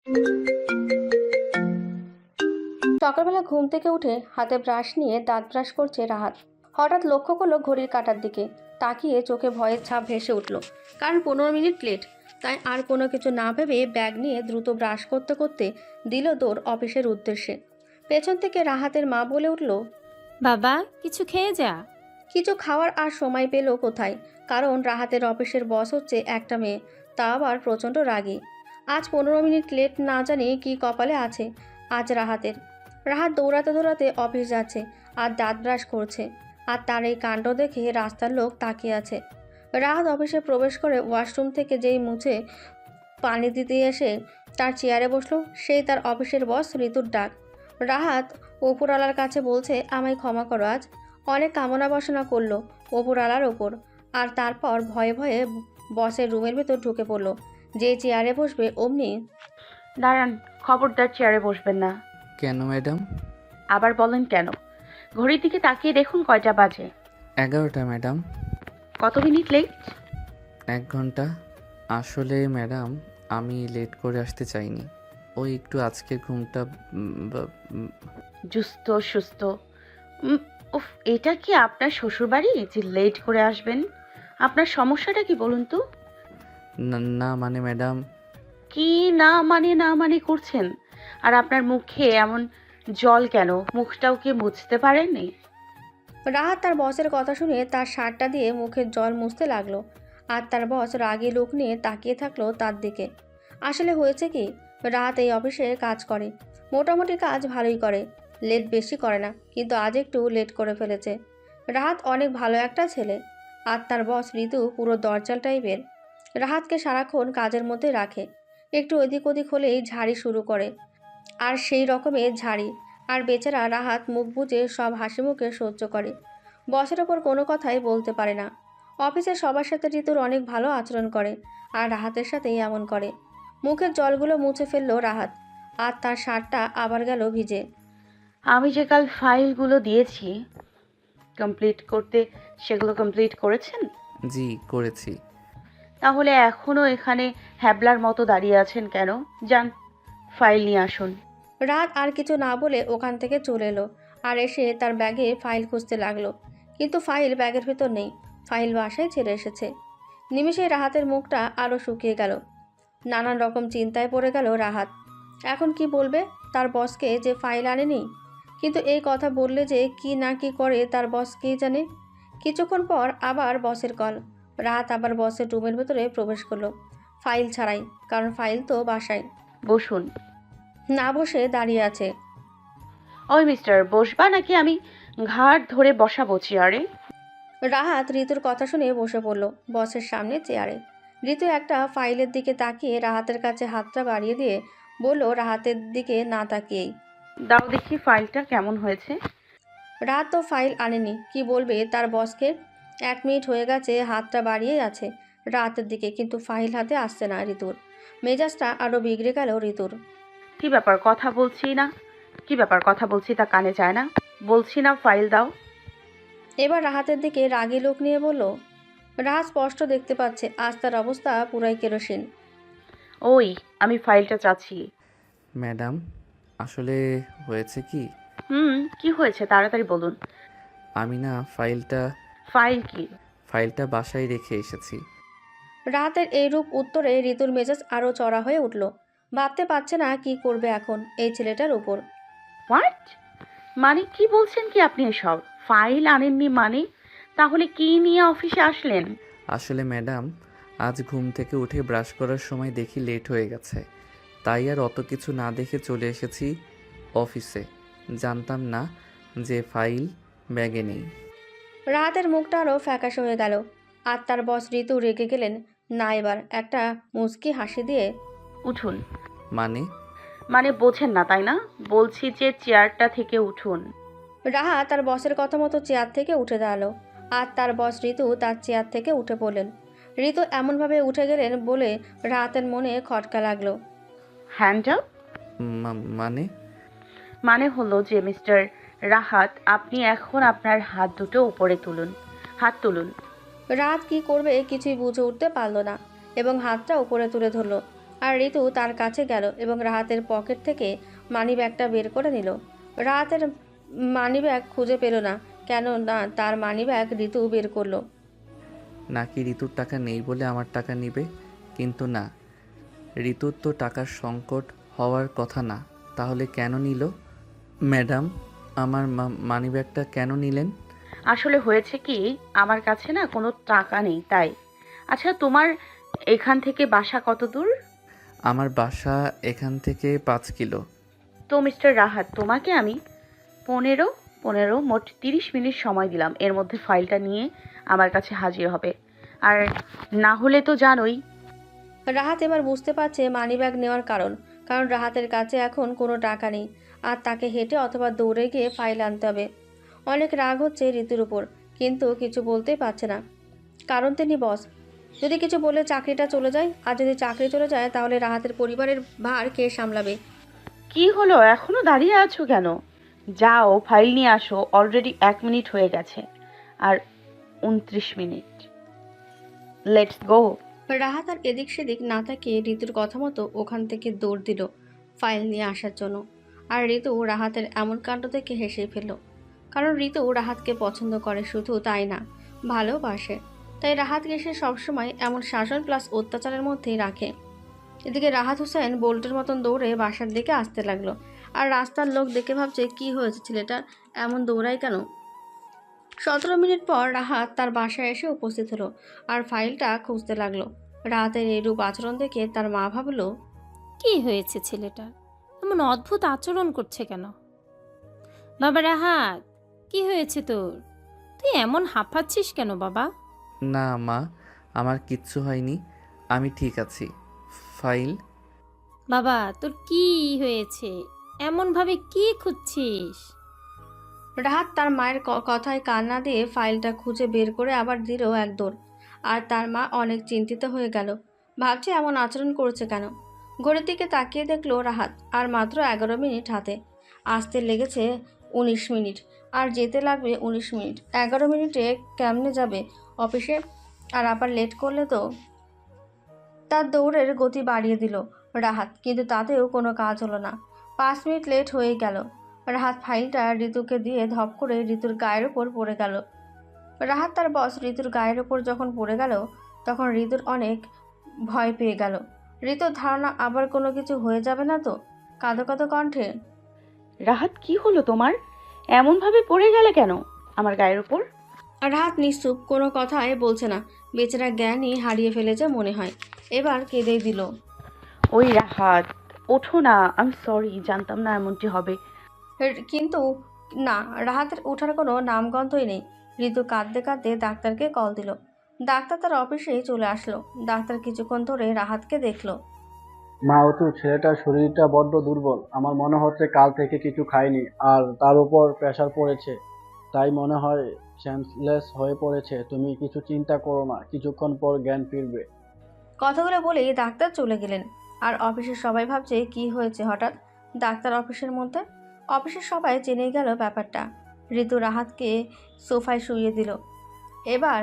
সকালবেলা ঘুম থেকে উঠে হাতে ব্রাশ নিয়ে দাঁত ব্রাশ করছে রাহাত। হঠাৎ লক্ষ্য করলো ঘড়ির কাঁটার দিকে। তাকিয়ে চোখে ভয়ের ছাপ ভেসে উঠল, কারণ 15 মিনিট লেট। তাই আর কোনো কিছু না ভেবে ব্যাগ নিয়ে দ্রুত ব্রাশ করতে করতে দিল দৌড় অফিসের উদ্দেশ্যে। পেছন থেকে রাহাতের মা বলে উঠল, বাবা, কিছু খেয়ে যা। কিছু খাওয়ার আর সময় পেল কোথায়, কারণ রাহাতের অফিসের বস হচ্ছে একটা মেয়ে, তা আবার প্রচণ্ড রাগী। আজ 15 মিনিট লেট, না জানি কি কপালে আছে আজ রাহাতের। রাহাত দৌড়াতে দৌড়াতে অফিস যাচ্ছে আর দাঁত ব্রাশ করছে, আর তার এই কাণ্ড দেখে রাস্তার লোক তাকিয়ে আছে। রাহাত অফিসে প্রবেশ করে ওয়াশরুম থেকে যেই মুছে পানি দিতে এসে তার চেয়ারে বসলো, সেই তার অফিসের বস ঋতুর ডাক। রাহাত ওপরওয়ালার কাছে বলছে, আমায় ক্ষমা করো, আজ অনেক কামনা বাসনা করলো ওপরওয়ালার ওপর, আর তারপর ভয়ে ভয়ে বসের রুমের ভেতর ঢুকে পড়লো। যে চেয়ারে বসবে অমনি, দাঁড়ান, খবরদার চেয়ারে বসবেন না। কেন ম্যাডাম? আবার বলেন কেন? ঘড়ির দিকে তাকিয়ে দেখুন কয়টা বাজে। 11টা ম্যাডাম। কত মিনিট লেট? 1 ঘন্টা। আসলে ম্যাডাম, আমি লেট করে আসতে চাইনি। ওই একটু আজকের ঘুমটা জুস্ত সুস্থ। উফ, এটা কি আপনার শ্বশুরবাড়ি যে লেট করে আসবেন? আপনার সমস্যাটা কি বলুন তো? না মানে ম্যাডাম। কি না মানে না মানে করছেন? আর আপনার মুখে এমন জল কেন? মুখটাও কি মুছতে পারেননি? রাহাত তার বসের কথা শুনে তার শার্টটা দিয়ে মুখের জল মুছতে লাগলো, আর তার বস রাগী লোক নিয়ে তাকিয়ে থাকলো তার দিকে। আসলে হয়েছে কি, রাহাত এই অফিসে কাজ করে, মোটামুটি কাজ ভালোই করে, লেট বেশি করে না, কিন্তু আজ একটু লেট করে ফেলেছে। রাহাত অনেক ভালো একটা ছেলে, আর তার বস ঋতু পুরো দরজাল টাইপের। রাহাতকে সারাক্ষণ কাজের মধ্যে রাখে, একটু এদিক ওদিক হলেই ঝাড়ি শুরু করে, আর সেই রকমের ঝাড়ি। আর বেচারা রাহাত মুখ বুজে সব হাসি মুখে সহ্য করে, বসের ওপর কোনো কথাই বলতে পারে না। অফিসের সবার সাথে ঋতুর অনেক ভালো আচরণ করে, আর রাহাতের সাথেই এমন করে। মুখের জলগুলো মুছে ফেললো রাহাত, আর তার শার্টটা আবার গেল ভিজে। আমি যে কাল ফাইলগুলো দিয়েছি কমপ্লিট করতে, সেগুলো কমপ্লিট করেছেন? জি করেছি। তাহলে এখনো এখানে হ্যাবলার মতো দাঁড়িয়ে আছেন কেন? যান, ফাইল নিয়ে আসুন। রাত আর কিছু না বলে ওখান থেকে চলে এলো, আর এসে তার ব্যাগে ফাইল খুঁজতে লাগলো, কিন্তু ফাইল ব্যাগের ভেতর নেই। ফাইল বাসায় ছেড়ে এসেছে। নিমেষে রাহাতের মুখটা আরও শুকিয়ে গেল, নানান রকম চিন্তায় পড়ে গেল রাহাত। এখন কি বলবে তার বসকে যে ফাইল আনেনি? কিন্তু এই কথা বললে যে কি না কি করে তার বস কে জানে। কিছুক্ষণ পর আবার বসের কল। রাহাত আবার বসের রুমের ভেতরে প্রবেশ করলো, ফাইল ছাড়াই, কারণ ফাইল তো বাসায়। বসুন। না বসে দাঁড়িয়ে আছে। ওই মিস্টার, বসবা নাকি আমি ঘাড় ধরে বসাবো চেয়ারে? রাহাত ঋতুর কথা শুনে বসে পড়ল বসের সামনে চেয়ারে। ঋতু একটা ফাইলের দিকে তাকিয়ে রাহাতের কাছে হাতটা বাড়িয়ে দিয়ে বলল, রাহাতের দিকে না তাকিয়েই, দাও দেখি ফাইলটা কেমন হয়েছে। রাহাত তো ফাইল আনেনি, কি বলবে তার বসকে। 1 মিনিট হয়ে গেছে, হাতটা বাড়িয়েই আছে রাহাতের দিকে, কিন্তু ফাইল হাতে আসছে না ঋতুর। মেজাজটা আরও বিগড়ে গেল ঋতুর। কি ব্যাপার, কথা বলছি না? কি ব্যাপার, কথা বলছি তা কানে যায় না? বলছি না ফাইল দাও। এবার রাহাতের দিকে রাগী লোক নিয়ে বলল। রাহাত স্পষ্ট দেখতে পাচ্ছে আজ তার অবস্থা পুরাই কেরোসিন। ওই, আমি ফাইলটা চাচ্ছি। ম্যাডাম, আসলে হয়েছে কি, কি হয়েছে তাড়াতাড়ি বলুন। আমি না ফাইল কি? ফাইলটা বাসায় রেখে এসেছি। রাহাতের এই রূপ উত্তরে ঋতুর মেজাজ আরও চড়া হয়ে উঠল। ভাবতে পারছে না কি করবে এখন এই ছেলেটার উপর। হোয়াট? মানে কি বলছেন কি আপনি এসব? ফাইল আনেননি মানে? তাহলে কি নিয়ে অফিসে আসলেন? আসলে ম্যাডাম, আজ ঘুম থেকে উঠে ব্রাশ করার সময় দেখি লেট হয়ে গেছে, তাই আর অত কিছু না দেখে চলে এসেছি অফিসে। জানতাম না যে ফাইল ব্যাগে নেই। রাহাতের মুখটা আরও ফ্যাকাশে হয়ে গেল, আর তার বস ঋতু রেগে গেলেন না, এবার একটা মুচকি হাসি দিয়ে, উঠুন। মানে? মানে বোঝেন না তাই না? বলছি যে চেয়ারটা থেকে উঠুন। রাহাত তার বসের কথা মতো চেয়ার থেকে উঠে দাঁড়ালো, আর তার বস ঋতু তার চেয়ার থেকে উঠে পড়লেন। ঋতু এমনভাবে উঠে গেলেন বলে রাহাতের মনে খটকা লাগলো। Hand up? মানে? মানে হলো যে মিস্টার রাহাত, আপনি এখন আপনার হাত দুটো উপরে তুলুন। হাত তুলুন। রাহাত কি করবে কিছুই বুঝে উঠতে পারল না, এবং হাতটা উপরে তুলে ধরলো। আর ঋতু তার কাছে গেল এবং রাহাতের পকেট থেকে মানিব্যাগটা বের করে নিল। রাহাতের মানিব্যাগ খুঁজে পেল না, কেন না তার মানিব্যাগ ঋতু বের করলো। নাকি ঋতুর টাকা নেই বলে আমার টাকা নিবে? কিন্তু না, ঋতুর তো টাকার সংকট হওয়ার কথা না, তাহলে কেন নিল? ম্যাডাম, আমার মানিব্যাগটা কেন নিলেন? আসলে হয়েছে কি, আমার কাছে না কোনো টাকা নেই তাই। আচ্ছা, তোমার এখান থেকে বাসা কত দূর? আমার বাসা এখান থেকে 5 কিলো। তো মিস্টার রাহাত, তোমাকে আমি পনেরো পনেরো মোট 30 মিনিট সময় দিলাম। এর মধ্যে ফাইলটা নিয়ে আমার কাছে হাজির হবে। আর না হলে তো জানোই। রাহাত এবার বুঝতে পারছে মানিব্যাগ নেওয়ার কারণ, কারণ রাহাতের কাছে এখন কোনো টাকা নেই আর তাকে হেঁটে অথবা দৌড়ে গিয়ে ফাইল আনতে হবে। অনেক রাগ হচ্ছে ঋতুর উপর, কিন্তু কিছু বলতেই পারছে না, কারণ তিনি বস। যদি কিছু বলে চাকরিটা চলে যায়, আর যদি চাকরি চলে যায় তাহলে রাহাতের পরিবারের ভার কে সামলাবে? কি হলো, এখনো দাঁড়িয়ে আছো কেন? যাও ফাইল নিয়ে আসো। অলরেডি 1 মিনিট হয়ে গেছে, আর 29 মিনিট। Let's go. রাহাত আর এদিক সেদিক না তাকিয়ে ঋতুর কথা মতো ওখান থেকে দৌড় দিল ফাইল নিয়ে আসার জন্য। আর ঋতু রাহাতের এমন কাণ্ড দেখে হেসে ফেলল, কারণ ঋতু রাহাতকে পছন্দ করে, শুধু তাই না, ভালোবাসে। তাই রাহাতকে সে সবসময় এমন শাসন প্লাস অত্যাচারের মধ্যেই রাখে। এদিকে রাহাত হোসেন বোল্টের মতন দৌড়ে বাসার দিকে আসতে লাগলো। আর রাস্তার লোক দেখে ভাবছে কি হয়েছে ছেলেটার, এমন দৌড়ায় কেন? 17 মিনিট পর রাহাত তার বাসায় এসে উপস্থিত হলো আর ফাইলটা খুঁজতে লাগলো। রাহাতের এরূপ আচরণ দেখে তার মা ভাবলো, কি হয়েছে ছেলেটা, এমন অদ্ভুত আচরণ করছে কেন? বাবা রাহাত, কি হয়েছে তোর? তুই এমন হাঁপাচ্ছিস কেন বাবা? না মা, আমার কিচ্ছু হয়নি, আমি ঠিক আছি। ফাইল? বাবা তোর কি হয়েছে? এমনভাবে কি খুঁজছিস? রাহাত তার মায়ের কথায় কান না দিয়ে ফাইলটা খুঁজে বের করে আবার দিল এক দৌড়। আর তার মা অনেক চিন্তিত হয়ে গেল, ভাবছে এমন আচরণ করেছে কেন। ঘড়ির দিকে তাকিয়ে দেখলো রাহাত আর মাত্র 11 মিনিট হাতে। আসতে লেগেছে 19 মিনিট, আর যেতে লাগবে 19 মিনিট। 11 মিনিটে কেমনে যাবে অফিসে? আর আবার লেট করলে তো। তার দৌড়ের গতি বাড়িয়ে দিল রাহাত, কিন্তু তাতেও কোনো কাজ হলো না। 5 মিনিট লেট হয়ে গেল। রাহাত ফাইলটা ঋতুকে দিয়ে ধপ করে ঋতুর গায়ের ওপর পড়ে গেল। রাহাত তার বস ঋতুর গায়ের ওপর যখন পড়ে গেল, তখন ঋতুর অনেক ভয় পেয়ে গেল। ঋতুর ধারণা আবার কোনো কিছু হয়ে যাবে না তো। কাঁদো কাঁদো কণ্ঠে, রাহাত, কি হলো তোমার? এমনভাবে পড়ে গেলে কেন আমার গায়ের উপর? রাহাত নিশ্চুপ, কোনো কথাই বলছে না। বেচারা জ্ঞানই হারিয়ে ফেলেছে মনে হয়। এবার কেঁদেই দিল। ওই রাহাত, ওঠো না। আমি সরি, জানতাম না এমনটি হবে। কিন্তু না, রাহাতের ওঠার কোনো নামগন্ধই নেই। ঋতু কাঁদতে কাঁদতে ডাক্তারকে কল দিল। ডাক্তার তার অফিসেই চলে আসলো। ডাক্তার কিছুক্ষণ ধরে রাহাতকে দেখলো। মা অতু, ছেলেটার শরীরটা বড্ড দুর্বল, আমার মনে হচ্ছে কাল থেকে কিছু খায়নি, আর তার উপর প্রেশার পড়েছে, তাই মনে হয় সেন্সলেস হয়ে পড়েছে। তুমি কিছু চিন্তা করো না, কিছুক্ষণ পর জ্ঞান ফিরবে। কথাগুলো বলেই ডাক্তার চলে গেলেন। আর অফিসের সবাই ভাবছে কি হয়েছে হঠাৎ ডাক্তার অফিসের মধ্যে। অফিসের সবাই জেনে গেল ব্যাপারটা। ঋতু রাহাতকে সোফায় শুইয়ে দিল। এবার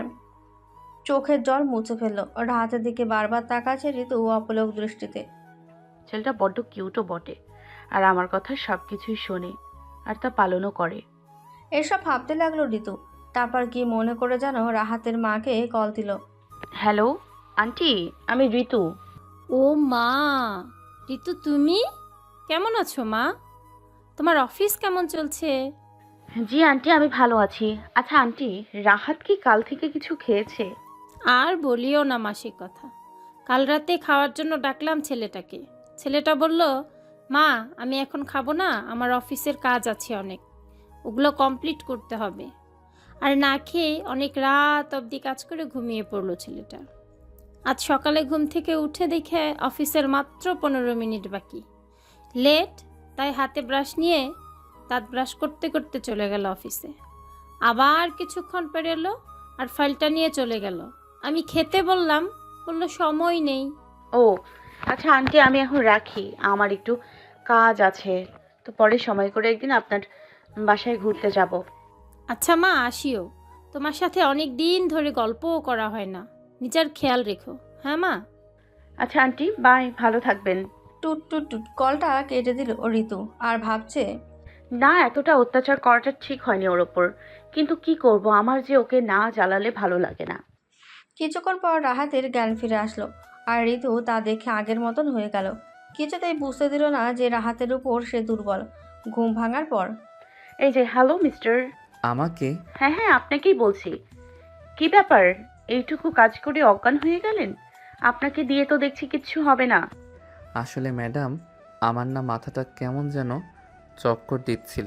চোখের জল মুছে ফেললো। রাহাতের দিকে বারবার তাকাচ্ছে ঋতু অপলক দৃষ্টিতে। ছেলেটা বড্ড কিউটও বটে, আর আমার কথা সবকিছুই শোনে, আর তা পালনও করে। এসব ভাবতে লাগলো ঋতু। তারপর কি মনে করে যেন রাহাতের মাকে কল দিল। হ্যালো আন্টি, আমি ঋতু। ও মা, ঋতু তুমি কেমন আছো মা? তোমার অফিস কেমন চলছে? জি আন্টি, আমি ভালো আছি। আচ্ছা আন্টি, রাহাত কি কাল থেকে কিছু খেয়েছে? আর বলিও না মাসির কথা। কাল রাতে খাওয়ার জন্য ডাকলাম ছেলেটাকে। ছেলেটা বলল, মা আমি এখন খাবো না, আমার অফিসের কাজ আছে অনেক, ওগুলো কমপ্লিট করতে হবে। আর না খেয়ে অনেক রাত অবধি কাজ করে ঘুমিয়ে পড়লো ছেলেটা। আজ সকালে ঘুম থেকে উঠে দেখে অফিসের মাত্র 15 মিনিট বাকি। লেট, তাই হাতে ব্রাশ নিয়ে দাঁত ব্রাশ করতে করতে চলে গেল অফিসে। আবার কিছুক্ষণ পরে এলো আর ফাইলটা নিয়ে চলে গেল। আমি খেতে বললাম, বললো সময় নেই। ও আচ্ছা আন্টি, আমি এখন রাখি, আমার একটু কাজ আছে। তো পরে সময় করে একদিন আপনার বাসায় ঘুরতে যাব। আচ্ছা মা, আসিও। তোমার সাথে অনেক দিন ধরে গল্পও করা হয় না। নিজের খেয়াল রেখো, হ্যাঁ মা? আচ্ছা আন্টি, বাই, ভালো থাকবেন। টুট টুট টুট কলটা কেটে দিল ঋতু আর ভাবছে না, এতটা অত্যাচার করাটা ঠিক হয়নি ওর ওপর, কিন্তু কি করব, আমার যে ওকে না জ্বালালে ভালো লাগে না। কিছুক্ষণ পর রাহাতের জ্ঞান ফিরে আসলো আর ঋতু তা দেখে আগের মতন হয়ে গেল। কিছুতেই বুঝতে দিল না যে রাহাতের উপর সে দুর্বল। ঘুম ভাঙার পর এই যে, হ্যালো মিস্টার। আমাকে? হ্যাঁ হ্যাঁ, আপনাকেই বলছি। কি ব্যাপার, এইটুকু কাজ করে অজ্ঞান হয়ে গেলেন? আপনাকে দিয়ে তো দেখছি কিচ্ছু হবে না। আসলে ম্যাডাম, আমার না মাথাটা কেমন যেন চক্কর দিচ্ছিল।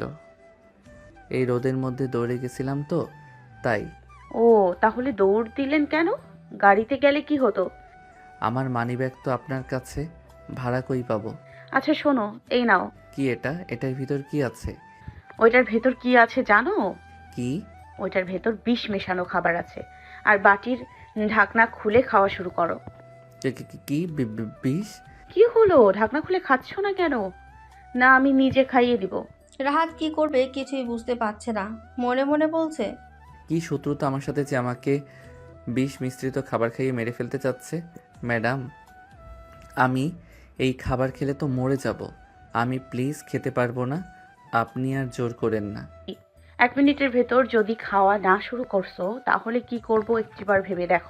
এই রোদের মধ্যে দৌড়ে গেছিলাম তো, তাই। ও, তাহলে দৌড় দিলেন কেন? গাড়িতে গেলে কি হতো? আমার মানিব্যাগ তো আপনার কাছে, ভাড়া কই পাবো? আচ্ছা শোনো, এই নাও। কি এটা? এটার ভিতর কি আছে? ওইটার ভেতর কি আছে জানো? কি? ওইটার ভেতর বিষ মেশানো খাবার আছে। আর বাটির ঢাকনা খুলে খাওয়া শুরু করো। কি বিষ? কি হলো, ঢাকনা খুলে খাচ্ছ না কেন? না আমি নিজে খাইয়ে দিব। রাহাত কি করবে কিছুই বুঝতে পারছে না। মনে মনে বলছে কি শত্রুতা আমার সাথে যে আমাকে বিষ মিশ্রিত খাবার খাইয়ে মেরে ফেলতে চাচ্ছে? ম্যাডাম, আমি এই খাবার খেলে তো মরে যাব। আমি প্লিজ খেতে পারবো না, আপনি আর জোর করেন না। 1 মিনিটের ভেতর যদি খাওয়া না শুরু করছো তাহলে কি করব একটিবার ভেবে দেখো।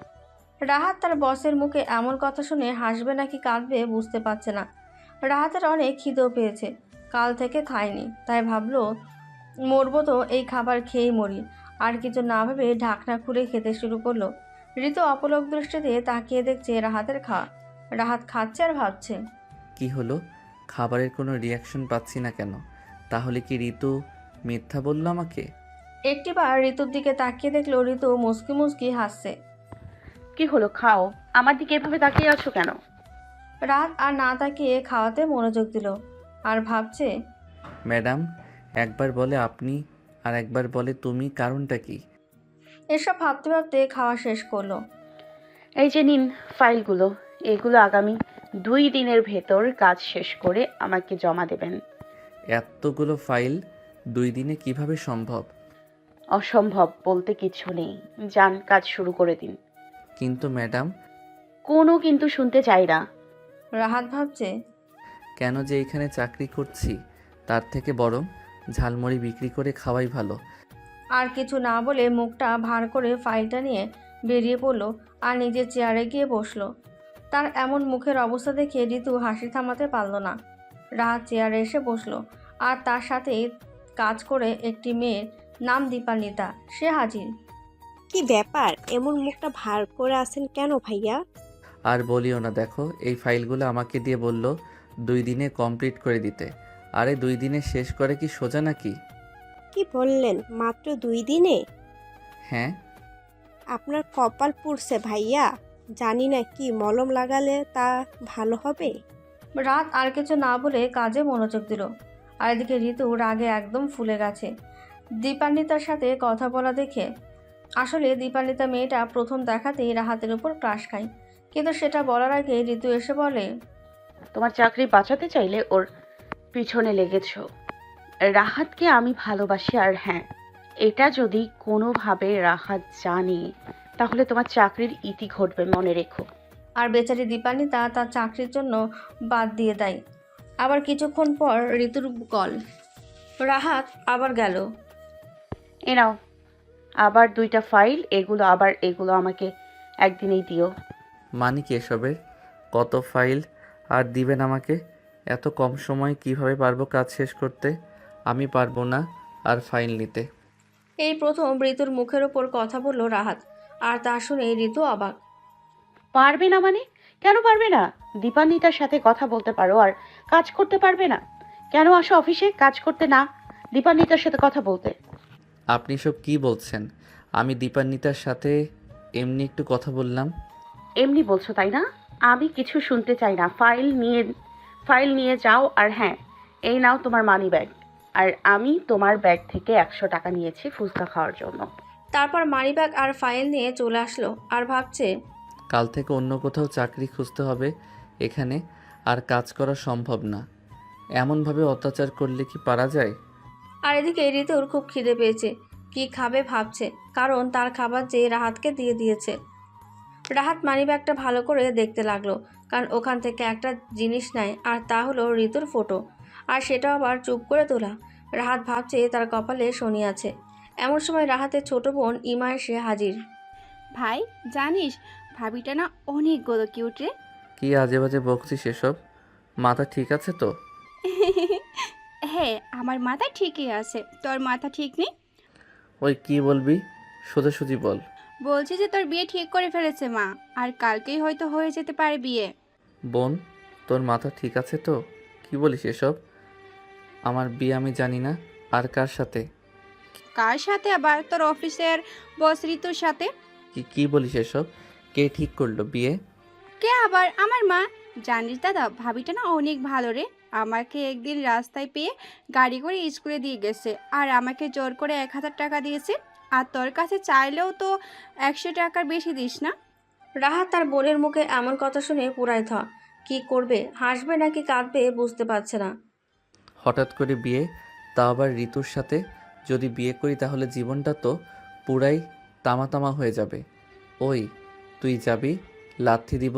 রাহাত তার বসের মুখে এমন কথা শুনে হাসবে নাকি কাঁদবে বুঝতে পারছে না। রাহাতের অনেক খিদেও পেয়েছে, কাল থেকে খায়নি, তাই ভাবলো মরবো তো এই খাবার খেয়েই মরি। আর কিছু না ভেবে ঢাকনা খুলে খেতে শুরু করলো। ঋতু অপলক দৃষ্টিতে তাকিয়ে দেখছে রাহাতের খাওয়া। রাহাত খাচ্ছে আর ভাবছে কি হলো, খাবারের কোনো রিয়াকশন পাচ্ছি না কেন? তাহলে কি ঋতু মিথ্যা বলল আমাকে? একটিবার ঋতুর দিকে তাকিয়ে দেখলো ঋতু মুচকি মুচকি হাসছে। কি হলো, খাও। আমার দিকে এভাবে তাকিয়ে আছো কেন? রাত আর না তাকিয়ে খাওয়াতে মনোযোগ দিল আর ভাবছে ম্যাডাম, একবার বলে আপনি আর একবার বলে তুমি, কারণটা কি? এসব ভাবতে ভাবতে খাওয়া শেষ করলো। এই যে নিন ফাইলগুলো, এগুলো আগামী 2 দিনের ভেতর কাজ শেষ করে আমাকে জমা দেবেন। এতগুলো ফাইল 2 দিনে কিভাবে সম্ভব? অসম্ভব বলতে কিছু নেই, যান কাজ শুরু করে দিন। কিন্তু ম্যাডাম। কোনো কিন্তু শুনতে চাই না। রাহাত ভাবছে কেন যে এখানে চাকরি করছি, তার থেকে বরং ঝালমুড়ি বিক্রি করে খাওয়াই ভালো। আর কিছু না বলে মুখটা ভার করে ফাইলটা নিয়ে বেরিয়ে পড়লো আর নিজের চেয়ারে গিয়ে বসলো। তার এমন মুখের অবস্থা দেখে ঋতু হাসি থামাতে পারল না। রাহাত চেয়ারে এসে বসলো আর তার সাথেই কাজ করে একটি মেয়ের, নাম দীপান্বিতা, সে হাজির। কি ব্যাপার, এমন মুখটা ভার করে আছেন কেন ভাইয়া? আর বলিও না, দেখো এই ফাইলগুলো আমাকে দিয়ে বলল 2 দিনে কমপ্লিট করে দিতে। আরে 2 দিনে শেষ করে কি সোজা নাকি? কি বললেন, মাত্র 2 দিনে? হ্যাঁ। আপনার কপাল পুড়ছে ভাইয়া, জানি না কি মলম লাগালে তা ভালো হবে। রাত আর কিছু না বলে কাজে মনোযোগ দিল। আর এদিকে ঋতু রাগে একদম ফুলে গেছে দীপান্বিতার সাথে কথা বলা দেখে। আসলে দীপান্বিতা মেয়েটা প্রথম দেখাতেই রাহাতের উপর ক্রাশ খায়, কিন্তু সেটা বলার আগে ঋতু এসে বলে তোমার চাকরি বাঁচাতে চাইলে ওর পিছনে লেগেছো। রাহাতকে আমি ভালোবাসি, আর হ্যাঁ, এটা যদি কোনোভাবে রাহাত জানে তাহলে তোমার চাকরির ইতি ঘটবে, মনে রেখো। আর বেচারি দীপান্বিতা তার চাকরির জন্য বাদ দিয়ে দেয়। আবার কিছুক্ষণ পর ঋতুর কল। রাহাত আবার গেল। এ নাও আবার 2টা ফাইল, এগুলো আমাকে একদিনেই দিও। মানে কি এসবের? কত ফাইল আর দিবেন আমাকে? এত কম সময় কিভাবে পারবো কাজ শেষ করতে? আমি পারবো না আর ফাইল নিতে। এই প্রথম ঋতুর মুখের ওপর কথা বলল রাহাত, আর তা শুনে ঋতু অবাক। পারবে না মানে? কেন পারবে না? দীপান্বিতার সাথে কথা বলতে পারো আর কাজ করতে পারবে না? কেন আসো অফিসে কাজ করতে, না দীপান্বিতার সাথে কথা বলতে? আপনি সব কি বলছেন? আমি দীপান্বিতার সাথে এমনি একটু কথা বললাম। এমনি বলছো তাই না? আমি কিছু শুনতে চাই না। ফাইল নিয়ে যাও। আর হ্যাঁ, এই নাও তোমার মানি ব্যাগ। আর আমি তোমার ব্যাগ থেকে 100 টাকা নিয়েছি ফুচকা খাওয়ার জন্য। তারপর মানিব্যাগ আর ফাইল নিয়ে চলে আসলো আর ভাবছে কাল থেকে অন্য কোথাও চাকরি খুঁজতে হবে, এখানে আর কাজ করা সম্ভব না। এমনভাবে অত্যাচার করলে কি পারা যায়? আর এদিকে ঋতুর খুব খিদে পেয়েছে, কি খাবে ভাবছে, কারণ তার খাবার যে রাহাতকে দিয়ে দিয়েছে। রাহাত মানিব্যাগটা ভালো করে দেখতে লাগলো, কারণ ওখান থেকে একটা জিনিস নেয়, আর তা হলো ঋতুর ফটো। আর সেটাও আবার চুপ করে তোলা। রাহাত ভাবছে তার কপালে শনি আছে। এমন সময় রাহাতের ছোট বোন ইমা এসে হাজির। ভাই জানিস ভাবিটা না অনেকগুলো কিউট রে। কি আজে বাজে বকছিস এসব? মাথা ঠিক আছে তো? হ্যাঁ আমার মাথা ঠিকই আছে, তোর মাথা ঠিক নেই? ওই কি বলবি? সোজাসুজি বল। বলছি যে তোর বিয়ে ঠিক করে ফেলেছে মা, আর কালকেই হয়তো হয়ে যেতে পারে বিয়ে। বোন, তোর মাথা ঠিক আছে তো? কি বলিস এসব? আমার বিয়ে আমি জানি না। আর কার সাথে? কার সাথে আবার? তোর অফিসের বস ঋতুর সাথে। কি কি বলিস এসব? কে ঠিক করলো বিয়ে? কে আবার? আমার মা। জানিস দাদা ভাবিটা না অনেক ভালো রে। আমাকে একদিন রাস্তায় পেয়ে গাড়ি করে স্কুলে দিয়ে গেছে, আর আমাকে জোর করে 1,000 টাকা দিয়েছে। আর তোর কাছে চাইলেও তো 100 টাকার বেশি দিস না। রাহাত তার বোনের মুখে এমন কথা শুনে পুরাই কি করবে, হাসবে নাকি কাঁদবে বুঝতে পারছে না। হঠাৎ করে বিয়ে, তা আবার ঋতুর সাথে? যদি বিয়ে করি তাহলে জীবনটা তো পুরাই তামা তামা হয়ে যাবে। ওই, তুই যাবি? লাথি দিব।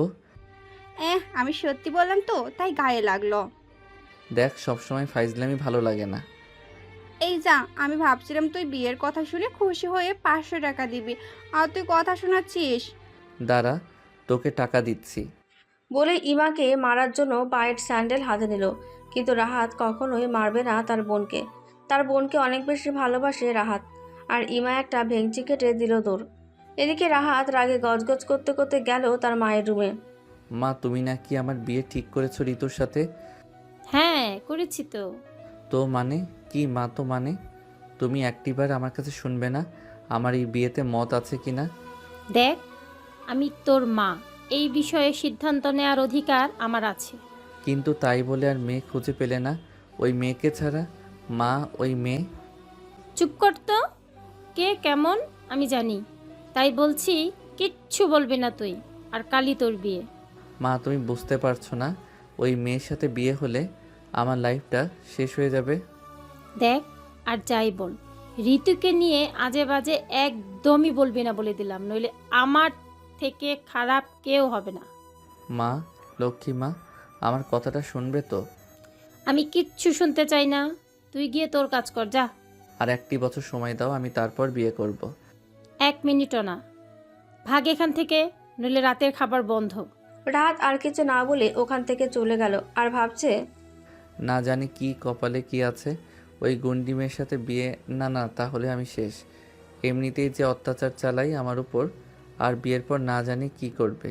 আমি সত্যি বললাম তো, তাই গায়ে লাগলো। দেখ, সবসময় ফাইজলামি ভালো লাগে না। এই যা, আমি ভাবছিলাম তুই বিয়ের কথা শুনে খুশি হয়ে 500 টাকা দিবি, আর তুই কথা শোনাচ্ছিস। দাঁড়া, তোকে টাকা দিচ্ছি। বলে ইমাকে মারার জন্য পায়ের স্যান্ডেল হাতে নিল, কিন্তু রাহাত কখনোই মারবে না তার বোনকে। তার বোনকে অনেক বেশি ভালোবাসে রাহাত। আর ইমা একটা ভেঙচি কেটে দিল দৌড়। এদিকে রাহাত রাগে গজগজ করতে করতে গেল তার মায়ের রুমে। মা, তুমি নাকি আমার বিয়ে ঠিক করেছো ঋতুর সাথে? হ্যাঁ করেছি তো। তো মানে কি মা? তো মানে তুমি একটিবার আমার কাছে শুনবে না আমার এই বিয়েতে মত আছে কি না? দেখ, আমি তোর মা, এই বিষয়ে সিদ্ধান্ত নেওয়ার অধিকার আমার আছে। কিন্তু তাই বলে আর মেয়ে খুঁজে পেলে না? ওই মেয়েকে ছাড়া? মা, ওই মেয়ে। চুপ কর তো। কে কেমন আমি জানি, তাই বলছি কিচ্ছু বলবি না তুই। আর কালই তোর বিয়ে। মা, তুমি বুঝতে পারছো না? ওই মেয়ের সাথে বিয়ে হলে আমার লাইফটা শেষ হয়ে যাবে। দেখ, আর যাই বল, ঋতুকে নিয়ে আজে বাজে একদমই বলবি না বলে দিলাম, নইলে আমার থেকে খারাপ কেউ হবে না। মা, লক্ষ্মী মা, আমার কথাটা শুনবে তো? আমি কিচ্ছু শুনতে চাই না, তুই গিয়ে তোর কাজ কর যা। আর 1 বছর সময় দাও, আমি তারপর বিয়ে করব। 1 মিনিটও না, ভাগ এখান থেকে, নইলে রাতের খাবার বন্ধ। রাহাত আর কিছু না বলে ওখান থেকে চলে গেল, আর ভাবছে না জানি কি কপালে কি আছে। ওই গুন্ডি মেয়ের সাথে বিয়ে, না না, তাহলে আমি শেষ। এমনিতেই যে অত্যাচার চালাই আমার উপর, আর বিয়ের পর না জানি কি করবে।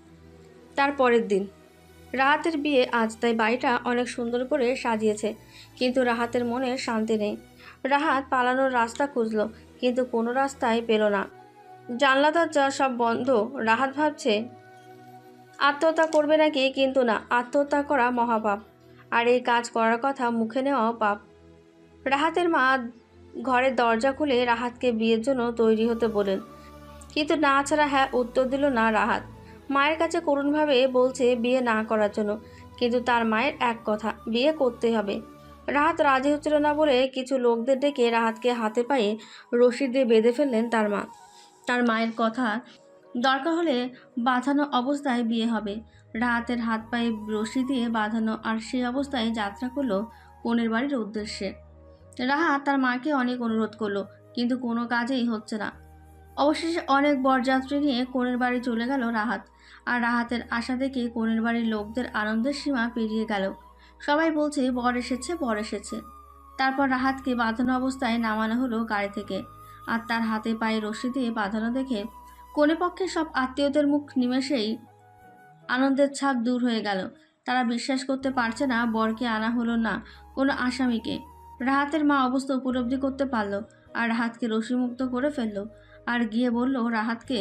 তার পরের দিন রাহাতের বিয়ে আজ, তাই বাড়িটা অনেক সুন্দর করে সাজিয়েছে, কিন্তু রাহাতের মনে শান্তি নেই। রাহাত পালানোর রাস্তা খুঁজলো, কিন্তু কোনো রাস্তাই পেল না। জানলা দরজা সব বন্ধ। রাহাত ভাবছে আত্মহত্যা করবে নাকি, কিন্তু না, আত্মহত্যা করা মহাপাপ, আর এই কাজ করার কথা মুখে নেওয়াও পাপ। রাহাতের মা ঘরের দরজা খুলে রাহাতকে বিয়ের জন্য তৈরি হতে বলেন, কিন্তু না ছাড়া হ্যাঁ উত্তর দিল না রাহাত। মায়ের কাছে করুণভাবে বলছে বিয়ে না করার জন্য, কিন্তু তার মায়ের এক কথা, বিয়ে করতে হবে। রাহাত রাজি হচ্ছিল না বলে কিছু লোকদের ডেকে রাহাতকে হাতে পায়ে রশি দিয়ে বেঁধে ফেললেন তার মা। তার মায়ের কথা, দরকার হলে বাঁধানো অবস্থায় বিয়ে হবে। রাহাতের হাত পায়ে রশি দিয়ে বাঁধানো, আর সেই অবস্থায় যাত্রা করলো কনের বাড়ির উদ্দেশ্যে। রাহাত তার মাকে অনেক অনুরোধ করলো, কিন্তু কোনো কাজেই হচ্ছে না। অবশেষে অনেক বরযাত্রী নিয়ে কনের বাড়ি চলে গেল রাহাত। আর রাহাতের আশা দেখে কনের বাড়ির লোকদের আনন্দের সীমা পেরিয়ে গেল। সবাই বলছে বর এসেছে, বর এসেছে। তারপর রাহাতকে বাঁধানো অবস্থায় নামানো হলো গাড়ি থেকে, আর তার হাতে পায়ে রশি দিয়ে বাঁধানো দেখে কনে পক্ষের সব আত্মীয়দের মুখ নিমেষেই আনন্দের ছাপ দূর হয়ে গেল। তারা বিশ্বাস করতে পারছে না বরকে আনা হলো না, কোনো আসামিকে। রাহাতের মা অবস্থা উপলব্ধি করতে পারল, আর রাহাতকে রশিমুক্ত করে ফেলল, আর গিয়ে বলল রাহাতকে,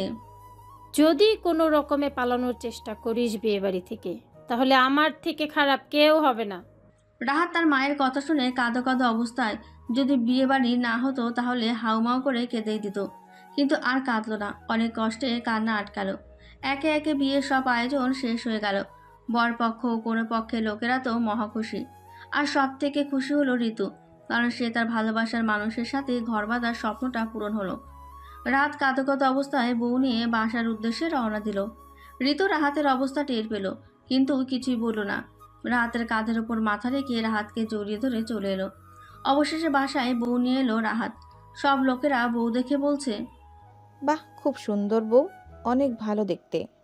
যদি কোনো রকমে পালানোর চেষ্টা করিস বিয়ে বাড়ি থেকে, তাহলে আমার থেকে খারাপ কেউ হবে না। রাহাত তার মায়ের কথা শুনে কাঁদো কাঁদো অবস্থায়, যদি বিয়ে বাড়ি না হতো তাহলে হাউমাউ করে কেঁদেই দিত, কিন্তু আর কাঁদল না। অনেক কষ্টে কান্না আটকালো। একে একে বিয়ের সব আয়োজন শেষ হয়ে গেল। বরপক্ষ ও কোনো পক্ষের লোকেরা তো মহাখুশি, আর সব থেকে খুশি হলো ঋতু, কারণ সে তার ভালোবাসার মানুষের সাথে ঘর বাঁধার স্বপ্নটা পূরণ হলো। রাহাত কাঁদো কাঁদো অবস্থায় বউ নিয়ে বাসার উদ্দেশ্যে রওনা দিল। ঋতু রাহাতের অবস্থা টের পেল, কিন্তু কিছুই বলল না। রাহাতের কাঁধের ওপর মাথা রেখে রাহাতকে জড়িয়ে ধরে চলে এলো। অবশেষে বাসায় বউ নিয়ে এলো রাহাত। সব লোকেরা বউ দেখে বলছে, বাহ, খুব সুন্দর বউ, অনেক ভালো দেখতে।